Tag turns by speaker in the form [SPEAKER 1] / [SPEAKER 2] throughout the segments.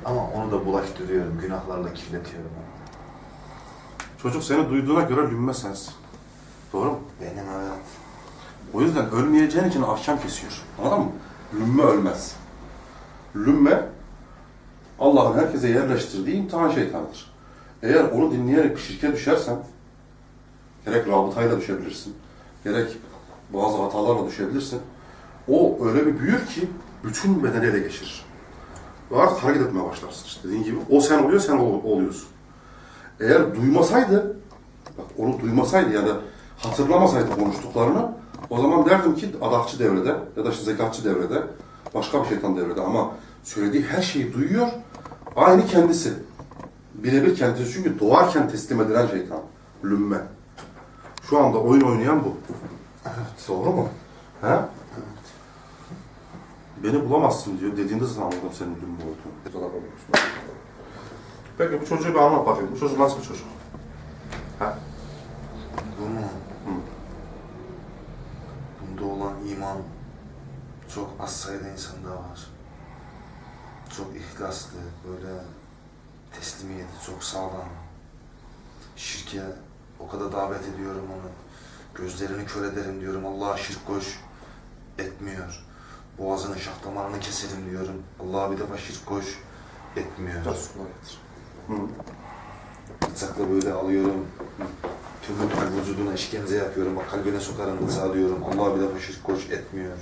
[SPEAKER 1] Ama onu da bulaştırıyorum, günahlarla kirletiyorum.
[SPEAKER 2] Çocuk seni duyduğuna göre lümme sensin. Doğru mu?
[SPEAKER 1] Benim evet.
[SPEAKER 2] O yüzden ölmeyeceğin için ahkam kesiyor. Anladın mı? Lümme ölmez. Lümme, Allah'ın herkese yerleştirdiği imtihan şeytanıdır. Eğer onu dinleyerek bir şirke düşersen, gerek rabıtayla düşebilirsin, gerek bazı hatalarla düşebilirsin. O öyle bir büyür ki bütün bedeni ele geçirir. Ve artık hareket etmeye başlarsın. İşte dediğin gibi o sen oluyor, sen oluyorsun. Eğer duymasaydı, bak onu duymasaydı ya da hatırlamasaydı konuştuklarını, o zaman derdim ki adakçı devrede ya da işte zekatçı devrede, başka bir şeytan devrede, ama söylediği her şeyi duyuyor, aynı kendisi. Birebir kendisi, çünkü doğarken teslim edilen şeytan, lümme. Şu anda oyun oynayan bu.
[SPEAKER 1] Evet.
[SPEAKER 2] Doğru mu? He? Evet. Beni bulamazsın diyor. Dediğinde zaten anladım senin lümme olduğunu. Peki bu çocuğu bir anlat bakayım. Bu çocuk nasıl bir çocuk? He?
[SPEAKER 1] Bu mu? Bunda olan iman çok az sayıda insanda var. Çok ihlaslı, böyle teslimiyeti çok sağlam. Şirke o kadar davet ediyorum onu. Gözlerini kör ederim diyorum. Allah'a şirk koş, etmiyor. Boğazının şah damarını keserim diyorum. Allah'a bir defa şirk koş, etmiyor. Bıçakla böyle alıyorum. Tüm vücuduna işkence yapıyorum. Bak kalbine sokarım bıçağı diyorum. Allah'a bir defa şirk koş, etmiyor.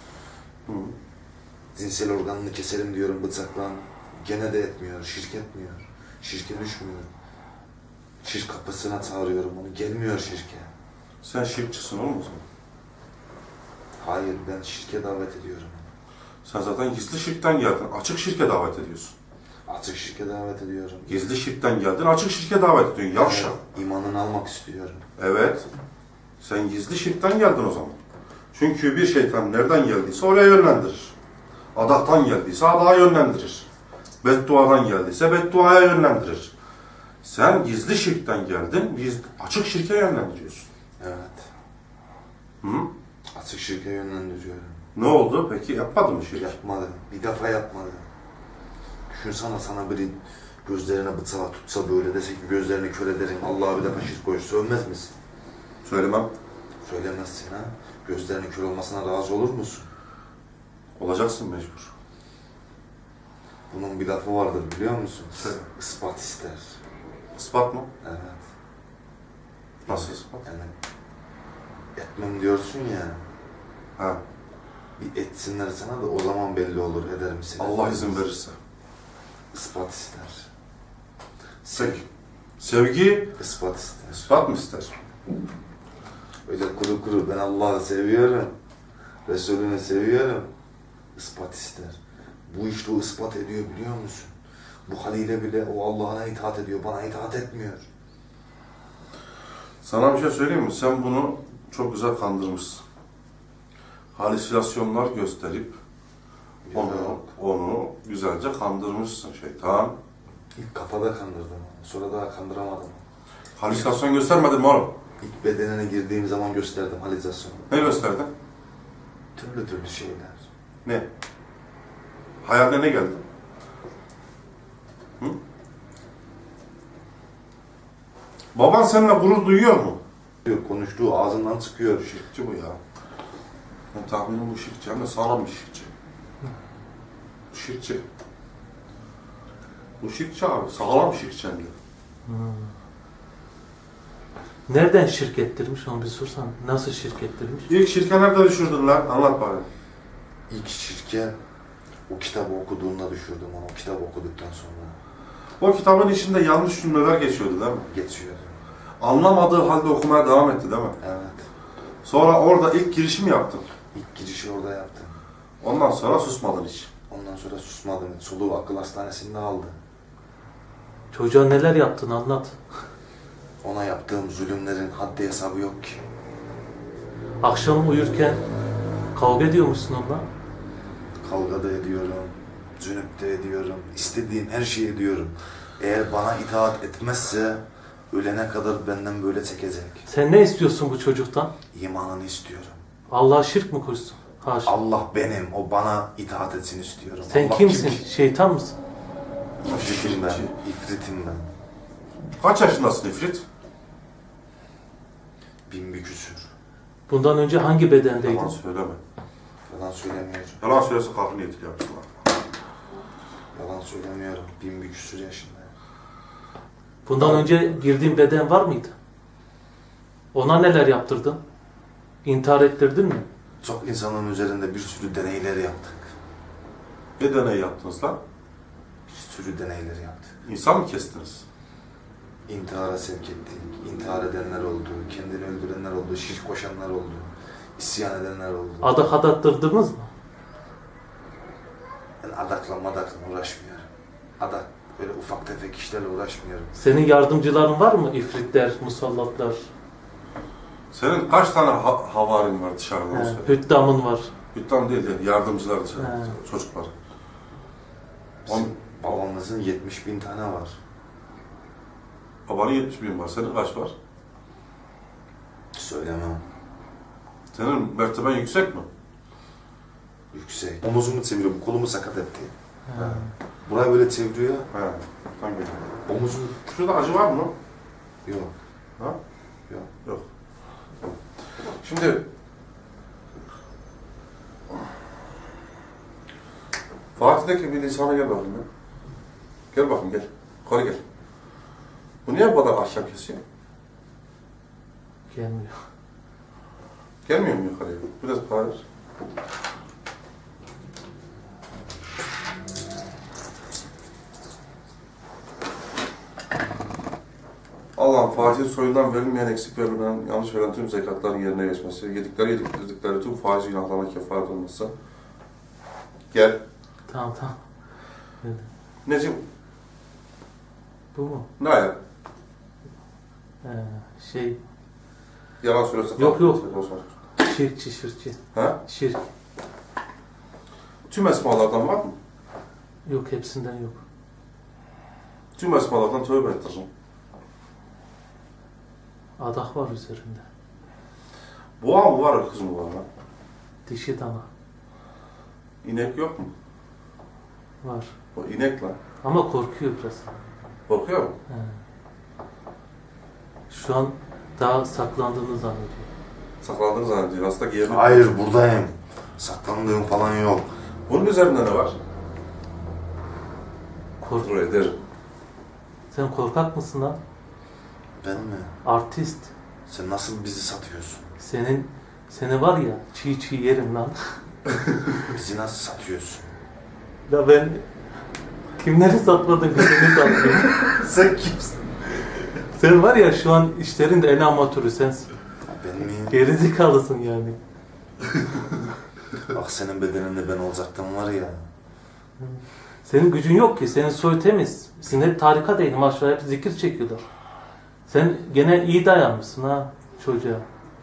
[SPEAKER 1] Cinsel organını keserim diyorum bıçakla. Gene de etmiyor. Şirk etmiyor. Şirke düşmüyor. Şirk kapısına çağırıyorum onu. Gelmiyor şirke.
[SPEAKER 2] Sen şirkçisin oğlum o zaman.
[SPEAKER 1] Hayır, ben şirke davet ediyorum.
[SPEAKER 2] Sen zaten gizli şirkten geldin. Açık şirke davet ediyorsun.
[SPEAKER 1] Açık şirke davet ediyorum.
[SPEAKER 2] Gizli şirkten geldin. Açık şirke davet ediyorsun. Yavşak.
[SPEAKER 1] Evet, imanını almak istiyorum.
[SPEAKER 2] Evet. Sen gizli şirkten geldin o zaman. Çünkü bir şeytan nereden geldiyse oraya yönlendirir. Adaktan geldiyse adağa yönlendirir. Bedduadan geldiyse bedduaya yönlendirir. Sen gizli şirkten geldin, açık şirke yönlendiriyorsun.
[SPEAKER 1] Evet.
[SPEAKER 2] Hı?
[SPEAKER 1] Açık şirke yönlendiriyorum.
[SPEAKER 2] Ne oldu peki? Yapmadın mı şirk?
[SPEAKER 1] Yapmadı. Bir defa yapmadı. Düşünsene sana biri gözlerine bıçağı tutsa böyle dese ki gözlerini kör ederim, Allah'a bir defa şirk koş, sövmez misin?
[SPEAKER 2] Söylemem.
[SPEAKER 1] Söylemezsin ha. Gözlerinin kör olmasına razı olur musun?
[SPEAKER 2] Olacaksın mecbur.
[SPEAKER 1] Bunun bir lafı vardır biliyor musun?
[SPEAKER 2] Söyle.
[SPEAKER 1] Ispat ister.
[SPEAKER 2] İspat mı?
[SPEAKER 1] Evet.
[SPEAKER 2] Nasıl ispat?
[SPEAKER 1] Yani etmem diyorsun ya.
[SPEAKER 2] Ha.
[SPEAKER 1] Bir etsinler sana da o zaman belli olur eder misin?
[SPEAKER 2] Allah izin verirse.
[SPEAKER 1] Ispat ister.
[SPEAKER 2] Peki. Sevgi
[SPEAKER 1] Ispat ister.
[SPEAKER 2] ispat mı ister?
[SPEAKER 1] Öyle kuru kuru ben Allah'ı seviyorum. Resulünü seviyorum. Ispat ister. Bu işte o ispat ediyor biliyor musun? Bu haliyle bile o Allah'ına itaat ediyor. Bana itaat etmiyor.
[SPEAKER 2] Sana bir şey söyleyeyim mi? Sen bunu çok güzel kandırmışsın. Halüsinasyonlar gösterip onu güzelce kandırmışsın şeytan.
[SPEAKER 1] İlk kafada kandırdım onu. Sonra daha kandıramadım.
[SPEAKER 2] Halüsinasyon göstermedin mi oğlum?
[SPEAKER 1] İlk bedenine girdiğim zaman gösterdim halüsinasyonu.
[SPEAKER 2] Ne gösterdin?
[SPEAKER 1] Türlü türlü şeyler.
[SPEAKER 2] Ne? Hayaline ne geldi? Hı? Baban seninle gurur duyuyor mu?
[SPEAKER 1] Konuştuğu ağzından çıkıyor.
[SPEAKER 2] Şirkçi bu ya. Ben tahminim bu şirkçi. Hem de sağlam bir şirkçi. Bu şirkçi. Bu şirkçi abi. Sağlam şirkçi hem de.
[SPEAKER 3] Nereden şirk ettirmiş onu bir sorsan. Nasıl şirk ettirmiş?
[SPEAKER 2] İlk şirke nerede düşürdün lan? Anlat bari.
[SPEAKER 1] İlk şirke o kitabı okuduğunda düşürdüm onu. O kitabı okuduktan sonra
[SPEAKER 2] O kitabın içinde yanlış cümleler geçiyordu değil mi?
[SPEAKER 1] geçiyordu.
[SPEAKER 2] Anlamadığı halde okumaya devam etti değil mi?
[SPEAKER 1] Evet.
[SPEAKER 2] Sonra orada ilk girişimi yaptın.
[SPEAKER 1] İlk girişi orada yaptım.
[SPEAKER 2] Ondan sonra susmadın hiç.
[SPEAKER 1] Ondan sonra susmadım. Soluğu akıl hastanesinde aldı.
[SPEAKER 3] Çocuğa neler yaptın anlat.
[SPEAKER 1] Ona yaptığım zulümlerin haddi hesabı yok ki.
[SPEAKER 3] Akşam uyurken kavga ediyormuşsun onunla.
[SPEAKER 1] Kavga da ediyorum, cünüp de ediyorum, istediğim her şeyi ediyorum. Eğer bana itaat etmezse ölene kadar benden böyle çekecek.
[SPEAKER 3] Sen ne istiyorsun bu çocuktan?
[SPEAKER 1] İmanını istiyorum.
[SPEAKER 3] Allah'a şirk mi koşsun? Haşa.
[SPEAKER 1] Allah benim, o bana itaat etsin istiyorum.
[SPEAKER 3] Sen
[SPEAKER 1] Allah
[SPEAKER 3] kimsin?
[SPEAKER 1] kim ki?
[SPEAKER 3] Şeytan mısın?
[SPEAKER 1] İfritim ben.
[SPEAKER 2] Şirkçi.
[SPEAKER 1] İfritim ben.
[SPEAKER 2] Kaç yaşındasın İfrit?
[SPEAKER 1] 1000 bir küsür.
[SPEAKER 3] Bundan önce hangi bedendeydin?
[SPEAKER 2] Yalan söyleme.
[SPEAKER 1] Yalan söylemiyorum.
[SPEAKER 2] Yalan söylerse kalkın yetil yapsınlar.
[SPEAKER 1] Yalan söylemiyorum. 1000 bir küsür yaşındayım.
[SPEAKER 3] Bundan önce girdiğin beden var mıydı? Ona neler yaptırdın? İntihar ettirdin mi?
[SPEAKER 1] Çok insanın üzerinde bir sürü deneyler yaptık.
[SPEAKER 2] Ne deney yaptınız lan?
[SPEAKER 1] Bir sürü deneyler yaptık.
[SPEAKER 2] İnsan mı kestiniz?
[SPEAKER 1] İntihara sevk ettik. İntihar edenler oldu. Kendini öldürenler oldu. Şirk koşanlar oldu. İsyan edenler oldu.
[SPEAKER 3] Adak adattırdınız mı?
[SPEAKER 1] Ben adakla uğraşmıyorum. Adak böyle ufak tefek işlerle uğraşmıyorum.
[SPEAKER 3] Senin yardımcıların var mı? İfritler, musallatlar,
[SPEAKER 2] Senin kaç tane havarin var dışarıda? Onu söyle.
[SPEAKER 3] hüddamın var.
[SPEAKER 2] Hüttam değil de yardımcılar dışarıda,
[SPEAKER 3] He.
[SPEAKER 2] çocuklar.
[SPEAKER 1] Bizim babamızın 70.000 tane var.
[SPEAKER 2] Babanın 70.000 var, senin kaç var?
[SPEAKER 1] Söylemem.
[SPEAKER 2] Senin merteben yüksek mi?
[SPEAKER 1] Yüksek. Omuzumu çeviriyorum. Kolumu sakat etti.
[SPEAKER 3] Ha.
[SPEAKER 1] Burayı böyle çeviriyor.
[SPEAKER 2] He. Hangi?
[SPEAKER 1] Omuzum
[SPEAKER 2] Şurada acı var mı?
[SPEAKER 1] yok.
[SPEAKER 2] Ha?
[SPEAKER 1] Yok.
[SPEAKER 2] Yok. Şimdi Fatih'teki bir insana gel bakayım ya. Gel bakayım gel. Yukarı gel. Bu niye bu kadar ahşap kesiyor?
[SPEAKER 3] Gelmiyor.
[SPEAKER 2] Gelmiyor mu yukarıya? Biraz bağır. Allah'ım Fatih'in soyundan verilmeyen, eksik verilmeyen, yanlış verilen tüm zekatların yerine geçmesi, yedikleri tüm faiz günahlarına kefaret olması. Gel.
[SPEAKER 3] Tamam.
[SPEAKER 2] Necim,
[SPEAKER 3] Bu mu?
[SPEAKER 2] ne ayak?
[SPEAKER 3] Şey,
[SPEAKER 2] Yalan söylüyorsa
[SPEAKER 3] Yok.
[SPEAKER 2] olsun.
[SPEAKER 3] şirkçi.
[SPEAKER 2] Ha?
[SPEAKER 3] Şirk.
[SPEAKER 2] Tüm esmalardan var mı?
[SPEAKER 3] Yok, hepsinden yok.
[SPEAKER 2] Tüm esmalardan tövbe ettireceğim.
[SPEAKER 3] Adak var üzerinde.
[SPEAKER 2] Boğa mı var, kız mı var lan?
[SPEAKER 3] Dişi dana
[SPEAKER 2] İnek yok mu?
[SPEAKER 3] var.
[SPEAKER 2] O inek lan.
[SPEAKER 3] Ama korkuyor biraz.
[SPEAKER 2] Korkuyor mu?
[SPEAKER 3] He. Şu an daha saklandığını zannediyor.
[SPEAKER 2] Saklandığını zannediyor. Aslında giyemi.
[SPEAKER 1] Hayır buradayım. Saklandığım falan yok.
[SPEAKER 2] Bunun üzerinde ne var? Kontrol ederim.
[SPEAKER 3] Sen korkak mısın lan?
[SPEAKER 1] Ben mi?
[SPEAKER 3] Artist.
[SPEAKER 1] Sen nasıl bizi satıyorsun?
[SPEAKER 3] Seni var ya çiğ yerim lan.
[SPEAKER 1] Bizi nasıl satıyorsun?
[SPEAKER 3] Ya ben kimleri satmadım ki seni satıyorum.
[SPEAKER 1] Sen kimsin?
[SPEAKER 3] Sen var ya şu an işlerin de en amatörü sensin.
[SPEAKER 1] Ben miyim?
[SPEAKER 3] Gerizekalısın yani.
[SPEAKER 1] Bak senin bedeninde ben olacaktım var ya.
[SPEAKER 3] Senin gücün yok ki. Senin soy temiz. Sizin hep tarikat ehli maşallah, hep zikir çekiyorlar. Sen gene iyi dayanmışsın ha çocuğa.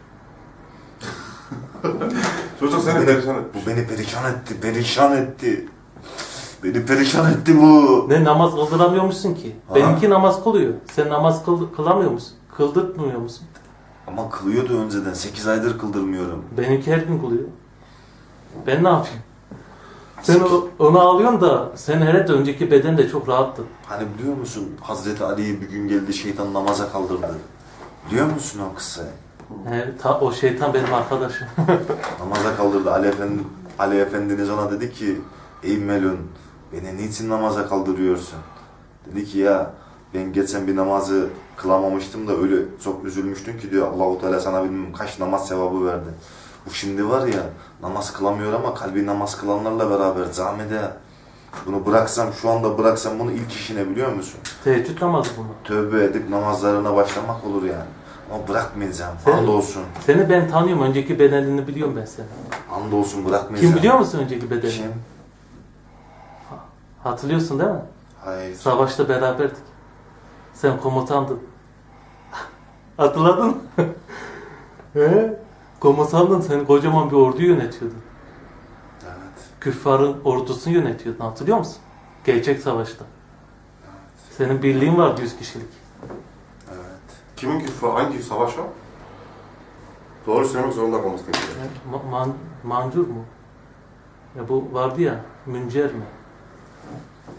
[SPEAKER 2] Çocuk seni perişan etmiş.
[SPEAKER 1] Bu beni perişan etti. Beni perişan etti bu.
[SPEAKER 3] Ne namaz kıldıramıyormuşsun ki?
[SPEAKER 1] Ha?
[SPEAKER 3] Benimki namaz kılıyor. Sen namaz kılamıyor musun? Kıldırtmıyor musun?
[SPEAKER 1] Ama kılıyordu önceden. 8 aydır kıldırmıyorum.
[SPEAKER 3] Benimki her gün kılıyor. Ben ne yapayım? Sen onu alıyorsun da sen herhalde önceki beden de çok rahattı.
[SPEAKER 1] Hani biliyor musun Hazreti Ali'yi bir gün geldi şeytan namaza kaldırdı. Biliyor musun o kıssayı?
[SPEAKER 3] O şeytan benim arkadaşım.
[SPEAKER 1] Namaza kaldırdı. Ali Efendiniz ona dedi ki ey Melun beni niçin namaza kaldırıyorsun? Dedi ki ya ben geçen bir namazı kılamamıştım da öyle çok üzülmüştüm ki diyor Allah-u Teala sana bilmem kaç namaz sevabı verdi. Bu şimdi var ya namaz kılamıyor ama kalbi namaz kılanlarla beraber camide bunu bıraksam şu anda bıraksam bunu ilk işine biliyor musun?
[SPEAKER 3] Teheccüd namazı bunu.
[SPEAKER 1] Tövbe edip namazlarına başlamak olur yani. Ama bırakmayacağım.
[SPEAKER 3] Sen-
[SPEAKER 1] Andolsun.
[SPEAKER 3] Seni ben tanıyorum. Önceki bedenini biliyorum ben seni.
[SPEAKER 1] Andolsun bırakmayacağım.
[SPEAKER 3] Kim biliyor musun önceki bedenini?
[SPEAKER 1] Kim?
[SPEAKER 3] Hatırlıyorsun değil mi?
[SPEAKER 1] Hayır.
[SPEAKER 3] Savaşta beraberdik. Sen komutandın. Hatırladın mı? He? Komutandın. Sen kocaman bir orduyu yönetiyordun.
[SPEAKER 1] Evet.
[SPEAKER 3] Küffarın ordusunu yönetiyordun. Hatırlıyor musun? Gerçek savaşta. Senin birliğin vardı 100 kişilik.
[SPEAKER 1] Evet.
[SPEAKER 2] Kimin küfrü, hangi savaş o? Doğru söylemek zorunda kalması gerekiyor.
[SPEAKER 3] Mancur mu? Ya bu vardı ya, Müncer mi?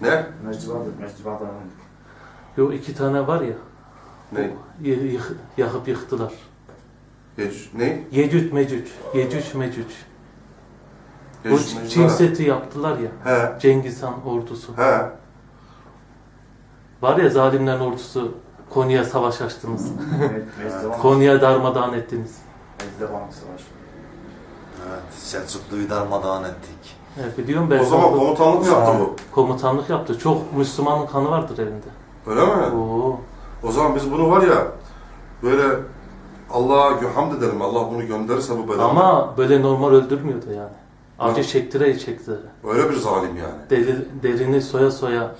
[SPEAKER 2] Ne?
[SPEAKER 4] Meczubadan.
[SPEAKER 3] Yo 2 tane var ya.
[SPEAKER 2] Ne?
[SPEAKER 3] Yakıp yıktılar.
[SPEAKER 2] Ne?
[SPEAKER 3] Yecüc Mecüc. Yecüc Mecüc. Bu
[SPEAKER 2] Yecüc
[SPEAKER 3] Çin
[SPEAKER 2] Mecüc.
[SPEAKER 3] Seddi yaptılar ya.
[SPEAKER 2] He.
[SPEAKER 3] Cengiz Han ordusu.
[SPEAKER 2] He.
[SPEAKER 3] Var ya zalimlerin ordusu. Konya'ya savaş açtınız.
[SPEAKER 4] Meczubadan.
[SPEAKER 3] Konya'ya darmadağın ettiniz.
[SPEAKER 4] Meczubadan savaşı.
[SPEAKER 1] Evet, Selçuklu'yu darmadağın ettik.
[SPEAKER 3] Evet, biliyorum ben.
[SPEAKER 2] O zaman komutanlık mı yaptı bu?
[SPEAKER 3] Komutanlık yaptı. Çok Müslümanın kanı vardır elinde.
[SPEAKER 2] Öyle mi?
[SPEAKER 3] Oo.
[SPEAKER 2] O zaman biz bunu var ya böyle Allah'a hamd edelim. Allah bunu gönderirse bu belanı.
[SPEAKER 3] Ama böyle normal öldürmüyordu yani. Acı çektire çektire.
[SPEAKER 2] Öyle bir zalim yani.
[SPEAKER 3] Derini soya soya.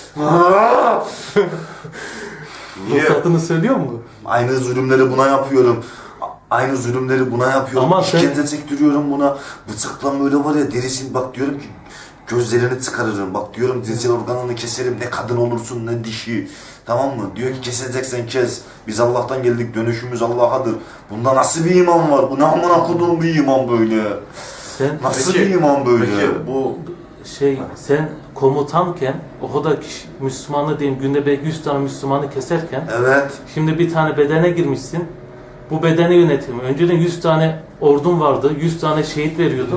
[SPEAKER 2] Niye?
[SPEAKER 3] Ruhsatını söylüyor mu?
[SPEAKER 1] Aynı zulümleri buna yapıyorum. Aynı zulümleri buna yapıyorum.
[SPEAKER 3] Ama sen-
[SPEAKER 1] İşkence çektiriyorum buna. Bıçakla böyle var ya derisini bak diyorum ki gözlerini çıkarırım. Bak diyorum cinsel organını keserim. Ne kadın olursun ne dişi. Tamam mı? Diyor ki keseceksen kes. Biz Allah'tan geldik. Dönüşümüz Allah'adır. Bunda nasıl bir iman var? Bu ne amına koduğum bir iman böyle?
[SPEAKER 3] Sen
[SPEAKER 1] Nasıl
[SPEAKER 2] Peki-
[SPEAKER 1] bir iman böyle?
[SPEAKER 2] Peki bu
[SPEAKER 3] sen komutanken o kadar kişi, Müslümanı diyeyim günde belki 100 tane Müslümanı keserken
[SPEAKER 1] Evet.
[SPEAKER 3] şimdi bir tane bedene girmişsin. Bu bedeni yönetimi. Önceden 100 tane ordun vardı. 100 tane şehit veriyordun.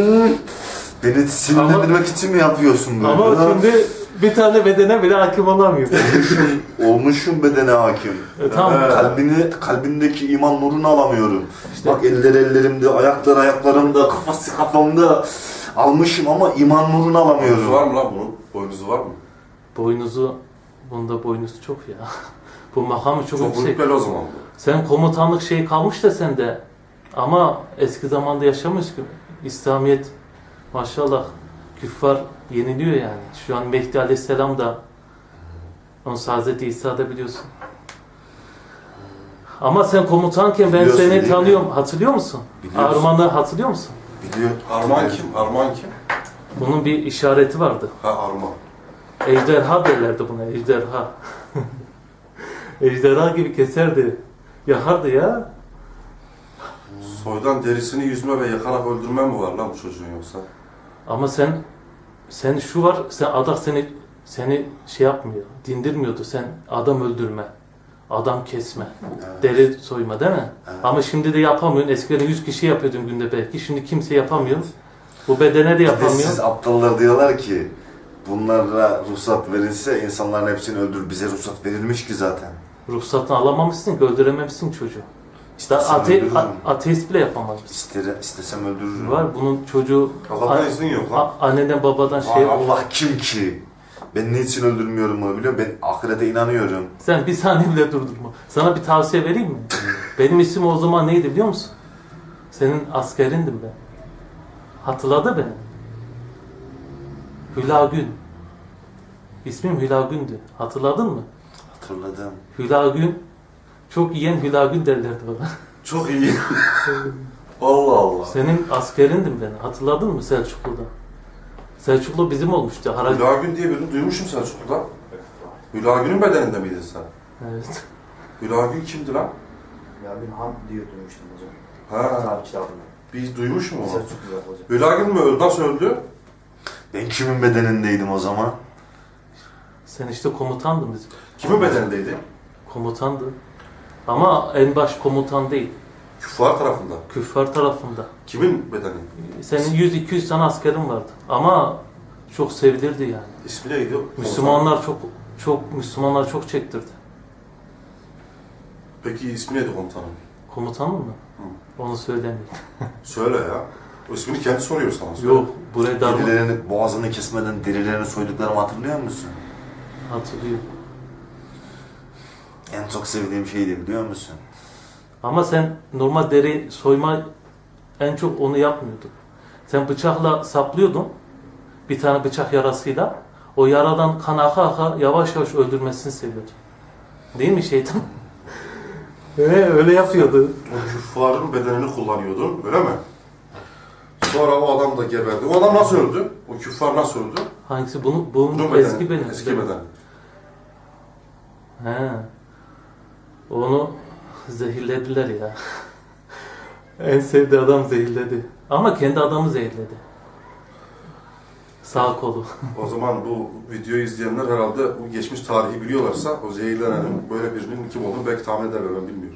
[SPEAKER 1] Beni sinirlendirmek için mi yapıyorsun böyle?
[SPEAKER 3] Ama şimdi bir tane bedene bile hakim olamıyor.
[SPEAKER 1] Olmuşum bedene hakim.
[SPEAKER 3] Tamam.
[SPEAKER 1] Kalbindeki iman nurunu alamıyorum.
[SPEAKER 3] İşte-
[SPEAKER 1] Bak eller ellerimde, ayaklar ayaklarımda, kafası kafamda almışım ama iman nurunu
[SPEAKER 2] boynuzu
[SPEAKER 1] alamıyorum.
[SPEAKER 2] var mı lan bunun? Boynuzu var mı?
[SPEAKER 3] Bunda boynuzu çok ya. Bu makamı çok
[SPEAKER 2] Çok
[SPEAKER 3] yüksek.
[SPEAKER 2] rütbeli o zaman bu.
[SPEAKER 3] Sen komutanlık şey kalmış da sende. Ama eski zamanda yaşamıyoruz ki. İslamiyet maşallah küffar yeniliyor yani. Şu an Mehdi Aleyhisselam da onun Hazreti İsa da biliyorsun. Ama sen komutanken ben
[SPEAKER 1] Biliyorsun
[SPEAKER 3] seni
[SPEAKER 1] değil mi?
[SPEAKER 3] tanıyorum. Hatırlıyor musun?
[SPEAKER 1] Biliyorsun.
[SPEAKER 3] Arman'ı hatırlıyor musun?
[SPEAKER 1] Biliyor.
[SPEAKER 2] Arman kim? Arman kim?
[SPEAKER 3] Bunun bir işareti vardı.
[SPEAKER 2] Ha Arman.
[SPEAKER 3] Ejderha derlerdi buna. Ejderha. Ejderha gibi keserdi. Yakardı ya.
[SPEAKER 2] Soydan derisini yüzme ve yakarak öldürme mi var lan bu çocuğun yoksa?
[SPEAKER 3] Ama sen şu var, adak seni şey yapmıyor, dindirmiyordu. Sen adam öldürme, adam kesme,
[SPEAKER 1] Evet.
[SPEAKER 3] deri soyma değil mi?
[SPEAKER 1] Evet.
[SPEAKER 3] Ama şimdi de yapamıyorsun. Eskiden 100 kişi yapıyordun günde belki. Şimdi kimse yapamıyor. Bu bedene de yapamıyor.
[SPEAKER 1] Siz aptallar diyorlar ki bunlara ruhsat verilse insanların hepsini öldürür. Bize ruhsat verilmiş ki zaten.
[SPEAKER 3] Ruhsatını alamamışsın ki, öldürememişsin çocuğu. İşte
[SPEAKER 1] İstesem öldürürüm.
[SPEAKER 3] ateist bile yapamaz.
[SPEAKER 1] İstesem öldürürüm.
[SPEAKER 3] Var bunun çocuğu
[SPEAKER 2] Allah'tan izin yok lan.
[SPEAKER 3] anneden babadan şey.
[SPEAKER 1] Allah kim ki? Ben niçin öldürmüyorum bunu biliyor musun? Ben ahirete inanıyorum.
[SPEAKER 3] Sen bir saniye bile durdurma. Sana bir tavsiye vereyim mi? Benim isim o zaman neydi biliyor musun? Senin askerindim ben. Hatırladı beni. Hülagün. İsmim Hülagün'dü. Hatırladın mı?
[SPEAKER 1] Hatırladım.
[SPEAKER 3] Hülagün. Çok yiyen Hülagün derlerdi bana.
[SPEAKER 2] Çok iyi. Allah Allah.
[SPEAKER 3] Senin askerindim ben. Hatırladın mı Selçuklu'da? Selçuklu bizim olmuştu.
[SPEAKER 2] Hülagün diye birini duymuşum Selçuklu'da. Hülagün'ün bedeninde miydin sen?
[SPEAKER 3] Evet.
[SPEAKER 2] Hülagün kimdi lan?
[SPEAKER 4] Ya bir han diyor duymuştum hocam.
[SPEAKER 2] Ha,
[SPEAKER 4] Tarih kitabında.
[SPEAKER 2] biz duymuş mu onu?
[SPEAKER 4] Selçuklu hocam.
[SPEAKER 2] Hülagün mü öldü? Nasıl öldü?
[SPEAKER 1] Ben kimin bedenindeydim o zaman?
[SPEAKER 3] Sen işte komutandın bizim.
[SPEAKER 2] Kimin bedenindeydi?
[SPEAKER 3] Komutandı. Ama en baş komutan değil.
[SPEAKER 2] Küffar tarafında.
[SPEAKER 3] Küffar tarafında.
[SPEAKER 2] Kimin bedeni?
[SPEAKER 3] Senin 100-200 tane askerin vardı. Ama çok sevilirdi yani.
[SPEAKER 2] İsmi neydi?
[SPEAKER 3] Müslümanlar çok çektirdi.
[SPEAKER 2] Peki ismi neydi komutanın?
[SPEAKER 3] Komutanın mı? Onu söylemeyeyim.
[SPEAKER 2] Söyle ya. O ismini kendi soruyor sana. Söyle.
[SPEAKER 3] Yok, buraya darma
[SPEAKER 1] Derilerini, boğazını kesmeden derilerini soyduklarımı hatırlıyor musun?
[SPEAKER 3] hatırlıyor.
[SPEAKER 1] En çok sevdiğim şeydi biliyor musun?
[SPEAKER 3] Ama sen normal deri soyma en çok onu yapmıyordun. Sen bıçakla saplıyordun. Bir tane bıçak yarasıyla. O yaradan kan aka aka yavaş yavaş öldürmesini seviyordun. Değil mi şeytan? Öyle yapıyordu.
[SPEAKER 2] O küffarın bedenini kullanıyordun, öyle mi? Sonra o adam da geberdi. O adam nasıl öldü? O küffar nasıl öldü?
[SPEAKER 3] Hangisi? Bunun
[SPEAKER 2] Bunun bedeni.
[SPEAKER 3] eski benim.
[SPEAKER 2] Eski beden.
[SPEAKER 3] He. Onu zehirlediler ya. En sevdiği adam zehirledi. Ama kendi adamı zehirledi. Sağ kolu.
[SPEAKER 2] O zaman bu videoyu izleyenler herhalde bu geçmiş tarihi biliyorlarsa o zehirlenenin böyle birinin kim olduğunu belki tahmin ederler, ben bilmiyorum.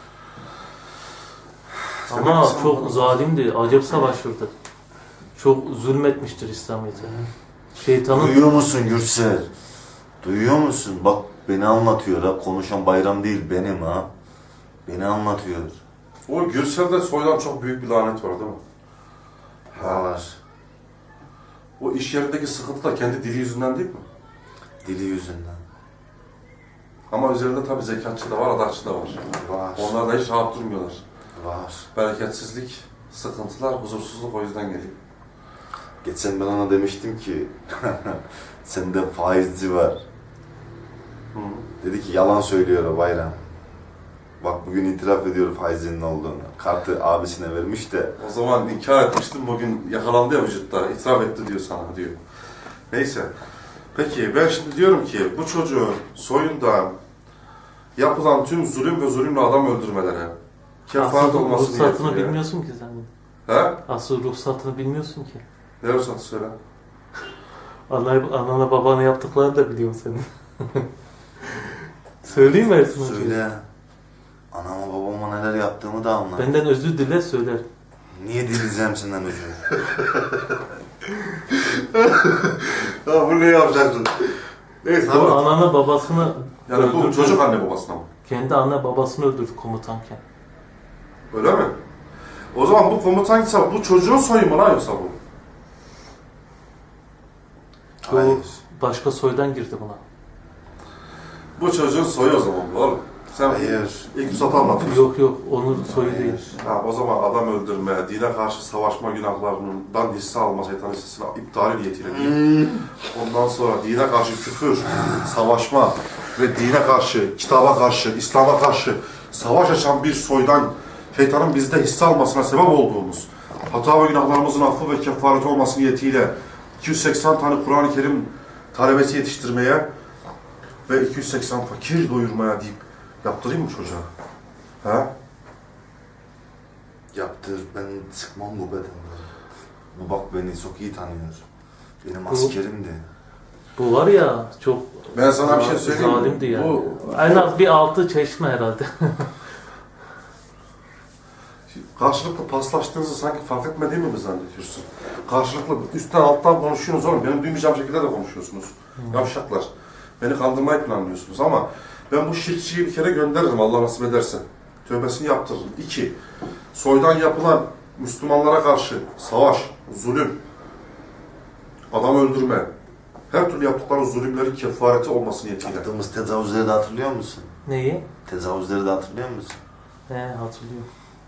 [SPEAKER 3] Ama çok zalimdi. Acayip savaşırdı. Çok zulmetmiştir İslamiyet'e. Şeytanın...
[SPEAKER 1] Duyuyor musun Gürsel? Duyuyor musun? Bak beni anlatıyor ha. Konuşan Bayram değil benim ha. Beni anlatıyor.
[SPEAKER 2] O Gürsel'de soydan çok büyük bir lanet var değil mi?
[SPEAKER 1] Var.
[SPEAKER 2] O iş yerindeki sıkıntı da kendi dili yüzünden değil mi?
[SPEAKER 1] Dili yüzünden.
[SPEAKER 2] Ama üzerinde tabii zekatçı da var, adaççı da var.
[SPEAKER 1] Var.
[SPEAKER 2] Onlar da hiç rahat durmuyorlar.
[SPEAKER 1] Var.
[SPEAKER 2] Bereketsizlik, sıkıntılar, huzursuzluk o yüzden geliyor.
[SPEAKER 1] Geçen ben ona demiştim ki sende faizci var.
[SPEAKER 2] Hı.
[SPEAKER 1] Dedi ki yalan söylüyor o Bayram. Bak bugün itiraf ediyor faizcinin olduğunu. Kartı abisine vermiş de.
[SPEAKER 2] O zaman inkar etmiştim, bugün yakalandı ya vücutta, itiraf etti diyor sana diyor. Neyse. Peki ben şimdi diyorum ki bu çocuğun soyunda yapılan tüm zulüm ve zulümle adam öldürmelere kefaret
[SPEAKER 3] Asıl
[SPEAKER 2] olması
[SPEAKER 3] ruhsatını
[SPEAKER 2] niyetiyle.
[SPEAKER 3] bilmiyorsun ki sen.
[SPEAKER 2] He?
[SPEAKER 3] Asıl ruhsatını bilmiyorsun ki.
[SPEAKER 2] Ne ruhsatı söyle?
[SPEAKER 3] Anana babana yaptıklarını da biliyorsun senin. Söyleyeyim mi Ersin Hoca?
[SPEAKER 1] Söyle. Anama babama neler yaptığımı da anlat.
[SPEAKER 3] Benden özür dile söyler.
[SPEAKER 1] Niye dileyeceğim senden özür?
[SPEAKER 2] Ya bu ne yapacaksın? Neyse
[SPEAKER 3] Bu anana babasını
[SPEAKER 2] yani bu
[SPEAKER 3] öldürdü.
[SPEAKER 2] çocuk anne babasına mı?
[SPEAKER 3] Kendi anne babasını öldürdü komutanken.
[SPEAKER 2] Öyle mi? O zaman bu komutan ise bu çocuğun soyu mu lan yoksa bu?
[SPEAKER 3] Bu
[SPEAKER 1] Hayır.
[SPEAKER 3] başka soydan girdi buna.
[SPEAKER 2] Bu çocuğun soyu o zaman bu oğlum. Sen
[SPEAKER 1] Hayır.
[SPEAKER 2] ilk Musat'ı anlatıyorsun.
[SPEAKER 3] Yok onun soyu
[SPEAKER 1] Hayır.
[SPEAKER 3] değil.
[SPEAKER 2] Ha, o zaman adam öldürme, dine karşı savaşma günahlarından hisse alma, şeytan hissesini iptali niyetiyle değil. Ondan sonra dine karşı küfür, savaşma ve dine karşı, kitaba karşı, İslam'a karşı savaş açan bir soydan şeytanın bizde hisse almasına sebep olduğumuz, hata ve günahlarımızın affı ve kefareti olması niyetiyle 280 tane Kur'an-ı Kerim talebesi yetiştirmeye ve 280 fakir doyurmaya deyip yaptırayım mı çocuğa? Ha?
[SPEAKER 1] Yaptır. Ben çıkmam bu bedenden. Bu bak beni çok iyi tanıyor. Benim
[SPEAKER 3] Bu-
[SPEAKER 1] askerimdi.
[SPEAKER 3] Bu var ya çok
[SPEAKER 2] Ben sana bir şey söyleyeyim mi?
[SPEAKER 3] zalimdi yani.
[SPEAKER 2] Bu
[SPEAKER 3] En az bir 6 çeşme herhalde.
[SPEAKER 2] karşılıklı paslaştığınızı sanki fark etmediğimi mi zannediyorsun? Karşılıklı üstten alttan konuşuyorsunuz oğlum. Benim duymayacağım şekilde de konuşuyorsunuz. Yavşaklar. Beni kandırmayı planlıyorsunuz ama ben bu şirkçiyi bir kere gönderirim Allah nasip ederse. Tövbesini yaptırırım. 2. Soydan yapılan Müslümanlara karşı savaş, zulüm, adam öldürme, her türlü yaptıkları zulümlerin kefareti olması niyetiyle.
[SPEAKER 1] Yaptığımız tecavüzleri de hatırlıyor musun?
[SPEAKER 3] Neyi?
[SPEAKER 1] Tecavüzleri de hatırlıyor musun?
[SPEAKER 3] Hatırlıyorum.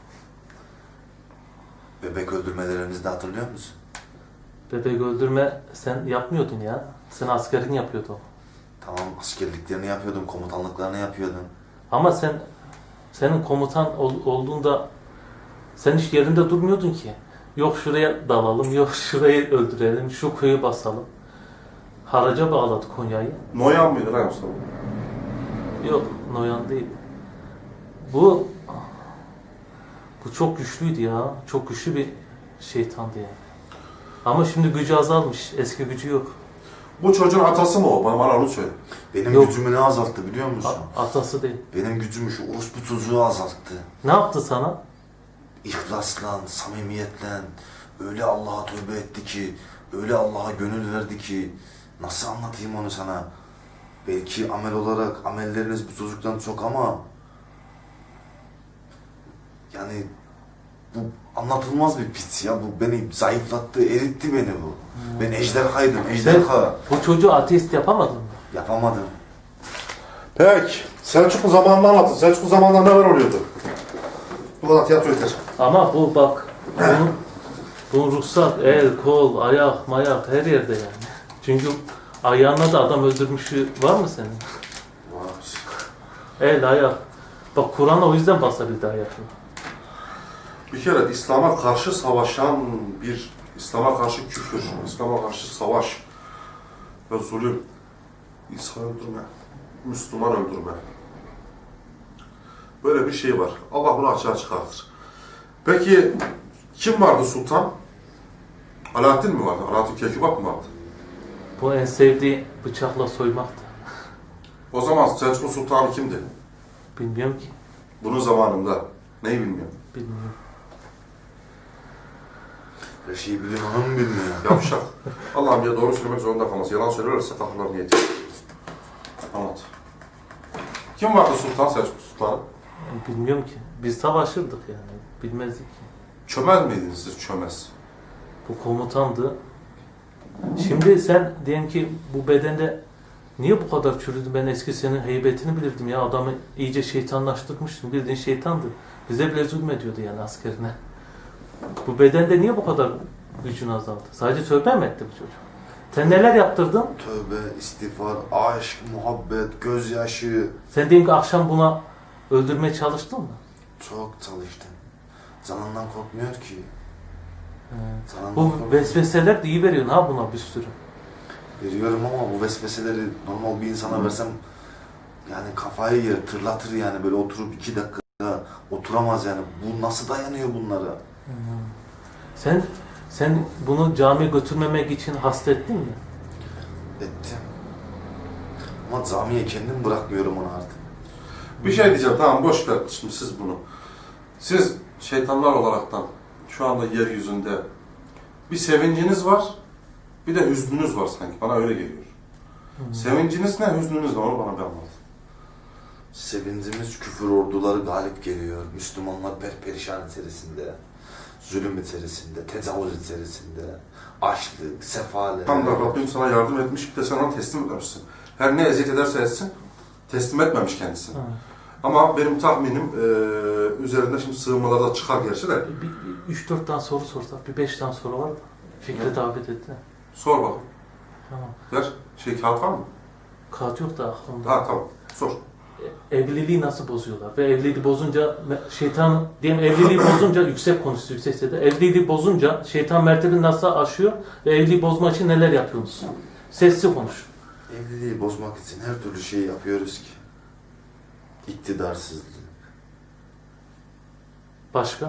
[SPEAKER 1] Bebek öldürmelerimizi de hatırlıyor musun?
[SPEAKER 3] Bebek öldürme sen yapmıyordun ya. Sen askerin yapıyordu o.
[SPEAKER 1] Tamam askerliklerini yapıyordum, komutanlıklarını yapıyordum.
[SPEAKER 3] Ama senin komutan olduğunda sen hiç yerinde durmuyordun ki. Yok şuraya dalalım, yok şurayı öldürelim, şu köyü basalım. Haraca bağladı Konya'yı.
[SPEAKER 2] Noyan mıydı lan yoksa?
[SPEAKER 3] Yok, Noyan değil. Bu çok güçlüydü ya. Çok güçlü bir şeytandı yani. Ama şimdi gücü azalmış. Eski gücü yok.
[SPEAKER 2] Bu çocuğun atası mı o? Bana onu söyle.
[SPEAKER 1] Benim
[SPEAKER 3] Yok.
[SPEAKER 1] gücümü ne azalttı biliyor musun?
[SPEAKER 3] Atası değil.
[SPEAKER 1] Benim gücümü şu orospu çocuğu azalttı.
[SPEAKER 3] Ne yaptı sana?
[SPEAKER 1] İhlasla, samimiyetle öyle Allah'a tövbe etti ki, öyle Allah'a gönül verdi ki nasıl anlatayım onu sana? Belki amel olarak amelleriniz bu çocuktan çok ama yani bu anlatılmaz bir pis ya. Bu beni zayıflattı, eritti beni bu. Ben ejderhaydım, ejderha.
[SPEAKER 3] Bu çocuğu ateist yapamadın mı?
[SPEAKER 1] Yapamadım.
[SPEAKER 2] Peki. Selçuklu zamanını anlatın. Selçuklu zamanında neler oluyordu? Bu kadar tiyatro yeter.
[SPEAKER 3] Ama bu bak, bunun ruhsat, el, kol, ayak, mayak her yerde yani. Çünkü ayağına da adam öldürmüşü var mı senin?
[SPEAKER 2] Var.
[SPEAKER 3] El, ayak. Bak Kur'an o yüzden basabildi ayakını.
[SPEAKER 2] Bir kere İslam'a karşı savaşan bir, İslam'a karşı küfür, İslam'a karşı savaş ve zulüm, insan öldürme, Müslüman öldürme. Böyle bir şey var. Allah bunu açığa çıkartır. Peki kim vardı sultan? Alaaddin mi vardı? Alaaddin Keykubat mı vardı?
[SPEAKER 3] Bu en sevdiği bıçakla soymaktı.
[SPEAKER 2] O zaman Selçuklu Sultanı kimdi?
[SPEAKER 3] Bilmiyorum ki.
[SPEAKER 2] Bunun zamanında. Neyi bilmiyorum.
[SPEAKER 3] Bilmiyorum.
[SPEAKER 1] Her şeyi biliyor, onu mu bilmiyor?
[SPEAKER 2] Yavşak. Allah'ım ya doğru söylemek zorunda kalmaz. Yalan söylerlerse kahırlarını yedir. Anlat. Kim vardı Sultan Selçuklu Sultanı?
[SPEAKER 3] Bilmiyorum ki. Biz savaşırdık yani. Bilmezdik ki.
[SPEAKER 2] Çömez miydiniz siz? Çömez.
[SPEAKER 3] Bu komutandı. Şimdi sen diyelim ki bu bedende niye bu kadar çürüdü? Ben eski senin heybetini bilirdim ya. Adamı iyice şeytanlaştırmıştın. Bildiğin şeytandı. Bize bile zulmediyordu yani askerine. Bu bedende niye bu kadar gücün azaldı? Sadece tövbe mi etti bu çocuk? Sen neler yaptırdın?
[SPEAKER 1] Tövbe, istiğfar, aşk, muhabbet, gözyaşı.
[SPEAKER 3] Sen diyelim ki akşam buna öldürmeye çalıştın mı?
[SPEAKER 1] Çok çalıştım. Canından korkmuyor ki. Canından
[SPEAKER 3] Bu
[SPEAKER 1] korkmuyor.
[SPEAKER 3] vesveseler de iyi veriyorsun ha buna bir sürü.
[SPEAKER 1] Veriyorum ama bu vesveseleri normal bir insana versem yani kafayı yer, tırlatır yani, böyle oturup 2 dakika oturamaz yani. Bu nasıl dayanıyor bunlara?
[SPEAKER 3] Sen bunu camiye götürmemek için hasta ettin mi?
[SPEAKER 1] Ettim. Ama camiye kendim bırakmıyorum onu artık.
[SPEAKER 2] Bir şey diyeceğim. Tamam boş ver şimdi siz bunu. Siz şeytanlar olaraktan şu anda yeryüzünde bir sevinciniz var, bir de hüznünüz var sanki. Bana öyle geliyor. Sevinciniz ne, hüznünüz ne? Onu bana bir anlat.
[SPEAKER 1] Sevincimiz küfür orduları galip geliyor. Müslümanlar perperişan içerisinde, zulüm içerisinde, tecavüz içerisinde, açlık, sefalet.
[SPEAKER 2] Tam da Rabbim sana yardım etmiş, bir de sen ona teslim etmemişsin. Her ne eziyet ederse etsin, teslim etmemiş kendisini.
[SPEAKER 3] Ha.
[SPEAKER 2] Ama benim tahminim üzerinde şimdi sığınmalarda çıkar gerçi de.
[SPEAKER 3] Bir 3-4 tane soru sorsak, bir 5 tane soru var mı? Fikri davet etti.
[SPEAKER 2] Sor bakalım.
[SPEAKER 3] Tamam.
[SPEAKER 2] Ver. Kağıt var mı?
[SPEAKER 3] Kağıt yok da aklımda.
[SPEAKER 2] Ha tamam. Sor.
[SPEAKER 3] Evliliği nasıl bozuyorlar? Ve evliliği bozunca şeytan, diyelim evliliği bozunca yüksek konuştu, yüksek sesle. Evliliği bozunca şeytan mertebini nasıl aşıyor ve evliliği bozmak için neler yapıyorsunuz? Sessiz konuş.
[SPEAKER 1] Evliliği bozmak için her türlü şeyi yapıyoruz ki. İktidarsızlık,
[SPEAKER 3] Başka?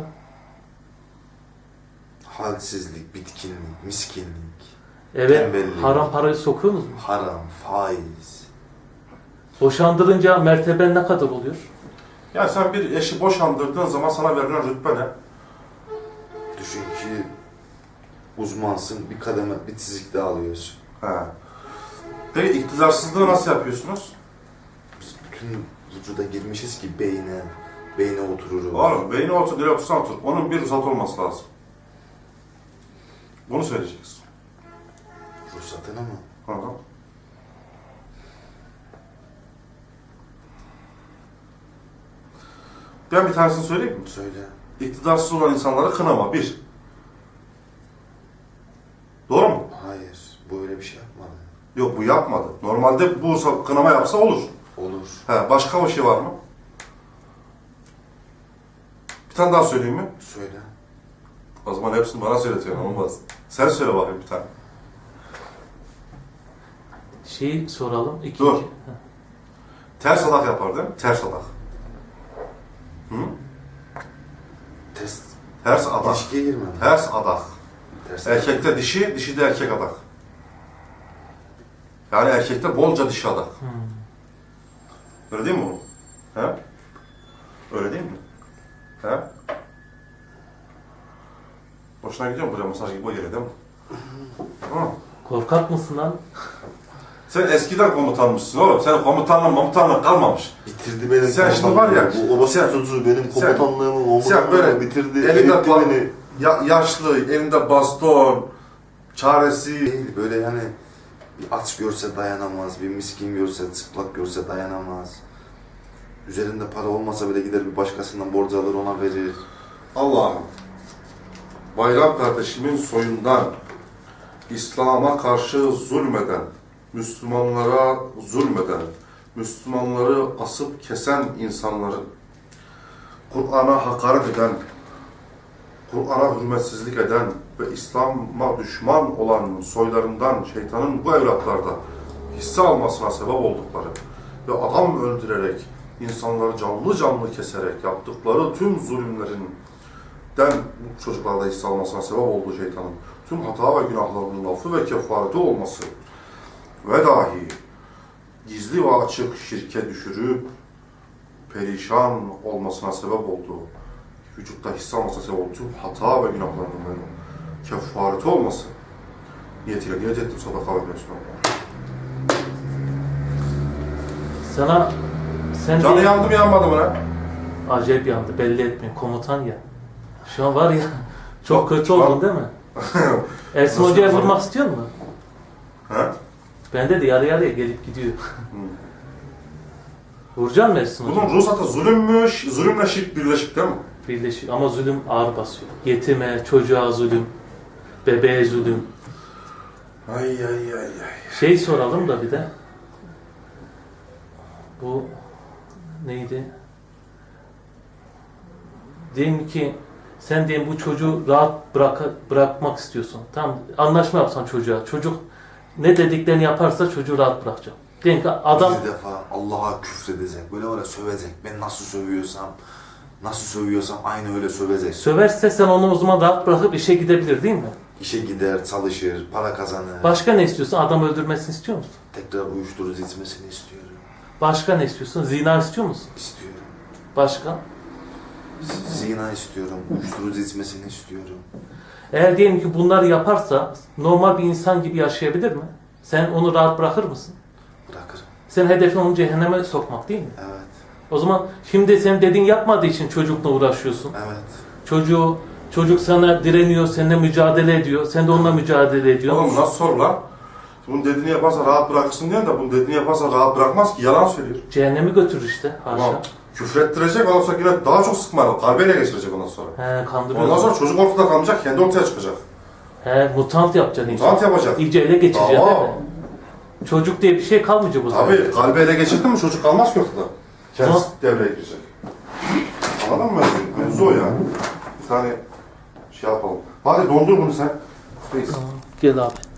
[SPEAKER 1] halsizlik, bitkinlik, miskinlik,
[SPEAKER 3] Eve
[SPEAKER 1] Tembellik.
[SPEAKER 3] haram parayı sokuyorsunuz mu?
[SPEAKER 1] haram, faiz.
[SPEAKER 3] Boşandırınca merteben ne kadar oluyor?
[SPEAKER 2] Yani sen bir eşi boşandırdığın zaman sana verilen rütbe ne?
[SPEAKER 1] Düşün ki uzmansın, bir kademe, bir çizik daha alıyorsun.
[SPEAKER 2] Ha. Peki iktidarsızlığı nasıl yapıyorsunuz?
[SPEAKER 1] Biz bütün vücuda girmişiz ki beyne otururuz.
[SPEAKER 2] Oğlum beyni otur, nereye otursan otur. Onun bir ruhsat olması lazım. Bunu söyleyeceksin.
[SPEAKER 1] Ruhsatına mı?
[SPEAKER 2] Hı hı. Ben bir tanesini söyleyeyim mi?
[SPEAKER 1] Söyle.
[SPEAKER 2] İktidarsız olan insanları kınama. Bir. Doğru mu?
[SPEAKER 1] Hayır, bu öyle bir şey yapmadı.
[SPEAKER 2] Yok bu yapmadı. Normalde bu kınama yapsa olur.
[SPEAKER 1] Olur.
[SPEAKER 2] He, başka bir şey var mı? Bir tane daha söyleyeyim mi?
[SPEAKER 1] Söyle.
[SPEAKER 2] O zaman hepsini bana söyletiyorsun. Olmaz. Sen söyle bakayım bir tane.
[SPEAKER 3] Şeyi soralım. İkinci.
[SPEAKER 2] Dur.
[SPEAKER 3] Ha.
[SPEAKER 2] Ters adak yapar değil mi? Ters adak. Hı?
[SPEAKER 1] Test.
[SPEAKER 2] Ters adak.
[SPEAKER 1] İlişkiye girme.
[SPEAKER 2] Ters adak.
[SPEAKER 1] Ters.
[SPEAKER 2] Erkekte dişi, dişide erkek adak. Yani erkekte bolca dişi adak. Öyle değil mi oğlum? He? Öyle değil mi? He? Hoşuna gidiyor mu buraya masaj gibi o yere değil mi? Hı.
[SPEAKER 3] Korkak mısın lan?
[SPEAKER 2] Sen eskiden komutanmışsın oğlum. Senin komutanlığın kalmamış.
[SPEAKER 1] Bitirdi benim
[SPEAKER 2] Sen şimdi var ya,
[SPEAKER 1] Bu obasya çocuğu benim komutanlığımı,
[SPEAKER 2] sen böyle
[SPEAKER 1] bitirdi.
[SPEAKER 2] Elinde
[SPEAKER 1] eritti beni.
[SPEAKER 2] yaşlı, elinde baston, çaresi.
[SPEAKER 1] Değil, böyle yani bir aç görse dayanamaz, bir miskin görse, çıplak görse dayanamaz. Üzerinde para olmasa bile gider bir başkasından borç alır, ona verir.
[SPEAKER 2] Allah'ım, Bayram kardeşimin soyundan İslam'a karşı zulmeden, Müslümanlara zulmeden, Müslümanları asıp kesen insanların, Kur'an'a hakaret eden, Kur'an'a hürmetsizlik eden ve İslam'a düşman olan soylarından şeytanın bu evlatlarda hisse almasına sebep oldukları ve adam öldürerek, insanları canlı canlı keserek yaptıkları tüm zulümlerinden bu çocuklarda hisse almasına sebep olduğu şeytanın tüm hata ve günahlarının affı ve kefareti olması ve dahi gizli ve açık şirke düşürüp perişan olmasına sebep olduğu, vücutta hisse almasına sebep olduğu tüm hata ve günahlarının kefareti olması niyetiyle niyet ettim sadaka vermiyorsun.
[SPEAKER 3] Sana sen
[SPEAKER 2] Canı
[SPEAKER 3] de
[SPEAKER 2] yandı mı yanmadı mı lan?
[SPEAKER 3] acayip yandı. Belli etmiyor. Komutan ya. Şu an var ya çok
[SPEAKER 2] Çok-
[SPEAKER 3] kötü
[SPEAKER 2] çok-
[SPEAKER 3] oldun değil mi? Ersin
[SPEAKER 2] Nasıl
[SPEAKER 3] Hoca'ya
[SPEAKER 2] yapalım?
[SPEAKER 3] vurmak istiyor mu?
[SPEAKER 2] He?
[SPEAKER 3] Bende de yarı yarıya gelip gidiyor. Vuracak mı Ersin Hoca?
[SPEAKER 2] Bunun ruhsatı zulümmüş, zulümle şirk birleşik değil mi?
[SPEAKER 3] Birleşiyor ama zulüm ağır basıyor. Yetime, çocuğa zulüm, bebeğe zulüm.
[SPEAKER 2] Ay ay ay ay.
[SPEAKER 3] Şey soralım da bir de. Bu neydi? Diyelim ki sen diyelim bu çocuğu rahat bırakmak istiyorsun. Tamam, anlaşma yapsan çocuğa. Çocuk ne dediklerini yaparsa çocuğu rahat bırakacak. Diyelim ki adam
[SPEAKER 1] Bir defa Allah'a küfredecek. Böyle var ya sövecek. Ben nasıl sövüyorsam aynı öyle sövecek.
[SPEAKER 3] söverse sen onu o zaman rahat bırakıp işe gidebilir değil mi?
[SPEAKER 1] İşe gider, çalışır, para kazanır.
[SPEAKER 3] Başka ne istiyorsun? Adam öldürmesini istiyor musun?
[SPEAKER 1] Tekrar uyuşturucu içmesini istiyorum.
[SPEAKER 3] Başka ne istiyorsun? Zina istiyor musun?
[SPEAKER 1] İstiyorum.
[SPEAKER 3] Başka?
[SPEAKER 1] Zina istiyorum. Uyuşturucu içmesini istiyorum.
[SPEAKER 3] Eğer diyelim ki bunları yaparsa normal bir insan gibi yaşayabilir mi? Sen onu rahat bırakır mısın?
[SPEAKER 1] Bırakırım.
[SPEAKER 3] Sen hedefin onu cehenneme sokmak değil mi?
[SPEAKER 1] Evet.
[SPEAKER 3] O zaman şimdi senin dediğin yapmadığı için çocukla uğraşıyorsun.
[SPEAKER 1] Evet.
[SPEAKER 3] Çocuk sana direniyor, seninle mücadele ediyor. Sen de onunla mücadele ediyorsun.
[SPEAKER 2] Oğlum nasıl sor lan? Bunun dediğini yaparsa rahat bırakırsın diyorsun da bunun dediğini yaparsa rahat bırakmaz ki, yalan söylüyor.
[SPEAKER 3] Cehennemi götürür işte. Haşa.
[SPEAKER 2] Tamam. Küfrettirecek, ondan sonra yine daha çok sıkmayalım. Kalbeyle geçirecek ondan sonra.
[SPEAKER 3] He, kandırıyor.
[SPEAKER 2] Ondan sonra çocuk ortada kalmayacak, kendi ortaya çıkacak.
[SPEAKER 3] He, mutant yapacaksın iyice.
[SPEAKER 2] Mutant yapacak.
[SPEAKER 3] İyice ele geçireceksin
[SPEAKER 2] Tamam.
[SPEAKER 3] değil mi? Çocuk diye bir şey kalmayacak o zaman.
[SPEAKER 2] Tabii, kalbi ele geçirdin mi çocuk kalmaz ki ortada. Kendisi
[SPEAKER 3] Tamam.
[SPEAKER 2] devreye girecek. Anladın mı? Mevzu o ya. Bir tane şey yapalım. Hadi dondur bunu sen. Reis.
[SPEAKER 3] Tamam. Gel abi.